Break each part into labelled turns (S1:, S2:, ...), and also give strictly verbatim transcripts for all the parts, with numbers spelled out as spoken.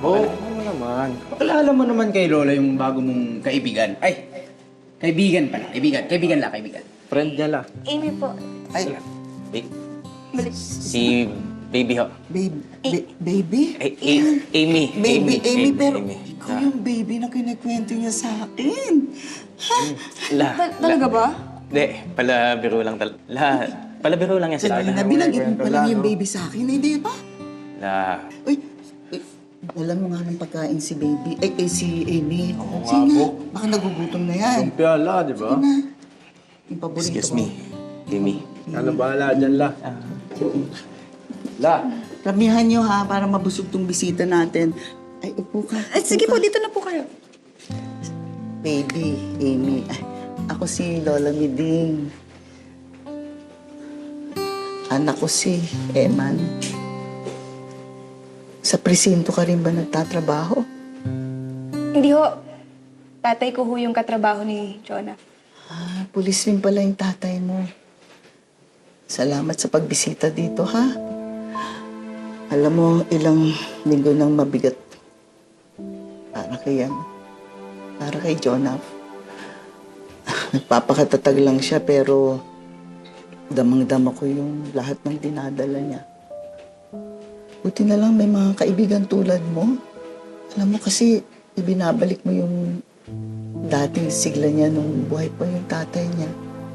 S1: Oo, oh, ano naman.
S2: Pakilala mo naman kay Lola yung bago mong kaibigan. Ay, kaibigan pala. Kaibigan. Kaibigan lang, kaibigan.
S1: Friend niya lang.
S3: Amy po.
S2: Ay,
S4: Ba-
S3: Balik.
S4: si Baby ho.
S5: Baby? ba- baby?
S4: Ay, A- Amy.
S5: Baby, Amy, pero
S4: Amy.
S5: ikaw yung baby na kinikwento niya sa akin. Ha?
S4: La.
S3: Ta- talaga ba?
S4: Hindi, pala biro lang tal... La, pala biro lang yan si
S5: Sabi na,
S4: Lola.
S5: binanggit mo
S1: kwento
S5: pa lang
S1: lang,
S5: yung
S1: no?
S5: baby sa akin, hindi ba?
S4: La.
S5: Uy, uy, alam mo nga ng pagkain si baby, eh, eh si Amy.
S1: Oo nga
S5: Sige
S1: po.
S5: na, baka nagugutom na yan.
S1: Yung piyala, di ba?
S5: Sige na. Yung paborito
S4: Excuse
S5: ko.
S4: me, Amy.
S1: Ano bahala dyan, La? La,
S5: Ramihan niyo ha, para mabusog tong bisita natin. Ay, upo ka.
S3: Ay,
S5: upo
S3: sige
S5: ka.
S3: po, dito na po kayo.
S5: Baby, Amy. Ay, ako si Lola Miding. Anak ko si Eman. Sa presinto ka rin ba nagtatrabaho?
S3: Hindi ho. Tatay ko ho yung katrabaho ni Jonah.
S5: Ah, pulis rin pala yung tatay mo. Salamat sa pagbisita dito, ha? Alam mo, ilang linggo nang mabigat para kay, ano, para kay Jonah. Nagpapakatatag lang siya, pero damang-dama ko yung lahat ng dinadala niya. Buti na lang may mga kaibigan tulad mo. Alam mo kasi, ibinabalik mo yung dating sigla niya nung buhay pa yung tatay niya.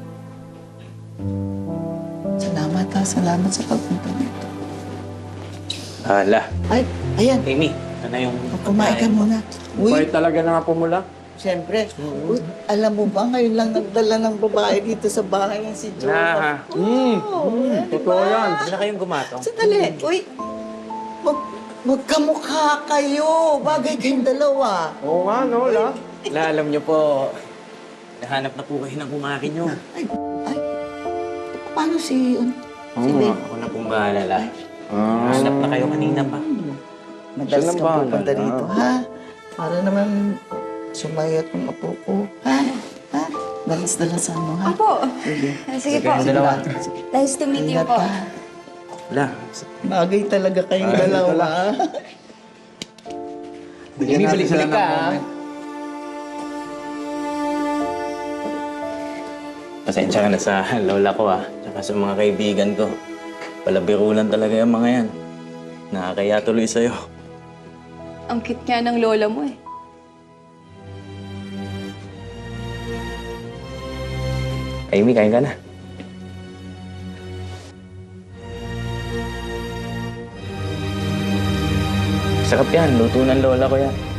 S5: Salamat ha, salamat sa pagpunta nito.
S4: Ah, La.
S5: Ay, ayan,
S4: Amy, ano yung...
S5: kumain ka muna.
S1: buhay
S5: Uy,
S1: talaga na nga pumula.
S5: siyempre, uy, alam mo ba, ngayon lang nagdala ng babae dito sa bahay niya si
S4: La.
S5: Jonah.
S1: Hmm, hmm, totoo yan.
S4: Hindi na kayong gumatong.
S5: Sandali, uy, mag, magkamukha kayo. Bagay kayong dalawa.
S1: Oo nga, no, La?
S4: La, alam niyo po, nahanap na po kayo ng kumakin niyo.
S5: Ay, ay, paano si, um,
S1: Oo
S5: si
S1: nga.
S5: babe?
S4: Ako na pong bahala, La.
S1: Ah,
S4: Nahanap na kayo kanina pa.
S5: Madalas
S1: Siya lang
S5: kang
S1: bahala
S5: pupunta
S1: na.
S5: rito, ha? Para naman sumayat ng apo ko, ha? Ha? Dalas-dalasan mo, ha?
S3: Opo.
S5: Sige.
S3: Ah, Sige po.
S4: Kayong dalawa.
S3: Nice to meet you
S5: Ingat
S3: po.
S5: ka.
S4: La,
S5: Bagay talaga kayong
S1: Bagay
S5: dalawa.
S1: talaga. Bigyan
S4: Amy,
S1: natin
S4: balik-balik
S1: sila ng
S4: ka, ah.
S1: moment.
S4: pasensya ka na sa lola ko ah. Tsaka sa mga kaibigan ko. Palabiro lang talaga yung mga yan. Nakakaya tuloy sa'yo.
S3: Ang cute nga ng lola mo eh.
S4: Amy, kain ka na. Sarap yan. Luto ng lola ko yan.